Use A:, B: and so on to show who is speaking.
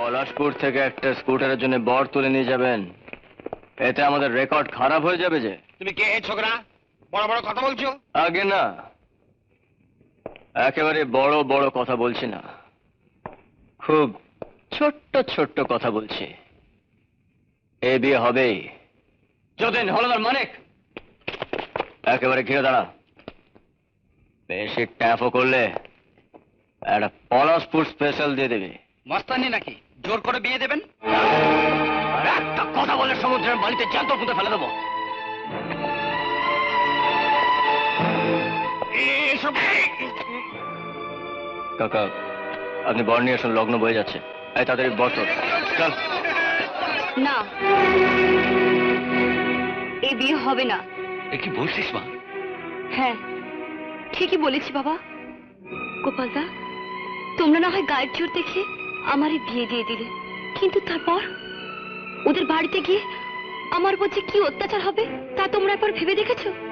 A: পলাশপুর থেকে একটা স্কুটারের জন্য বর তুলে নিয়ে যাবেন, এতে আমাদের রেকর্ড খারাপ হয়ে যাবে যে।
B: তুমি কে ছোকরা, বড় বড় কথা বলছো?
A: আগে না, একেবারে বড় বড় কথা বলছি না, খুব ছোট্ট ছোট্ট কথা বলছি। এ বিয়ে হবেই। যতীন, হলদার, মানিক, একেবারে ঘিরে দাঁড়া। বেশি ট্যাপও করলে একটা পলাশপুর স্পেশাল দিয়ে দেবে।
B: মস্তানি নাকি জোর করে বিয়ে দেবেন?
A: আর একটা কথা বলে সমুদ্রের বালিতে জ্যান্ত পুঁতে ফেলে দেবো।
B: এসব
A: কাকা, আপনি বর নিয়ে আসুন, লগ্ন বয়ে যাচ্ছে। এই তাড়াতাড়ি বর তোর, চল।
C: না, এই বিয়ে হবে না।
B: এ কি বলছিস মা?
C: হ্যাঁ, ঠিকই বলেছি বাবা। গোপালদা, তোমরা না হয় গায়ের জোর দেখে আমারই বিয়ে দিয়ে দিলে, কিন্তু তারপর ওদের বাড়িতে গিয়ে আমার উপর যে কি অত্যাচার হবে তা তোমরা একবার ভেবে দেখেছো?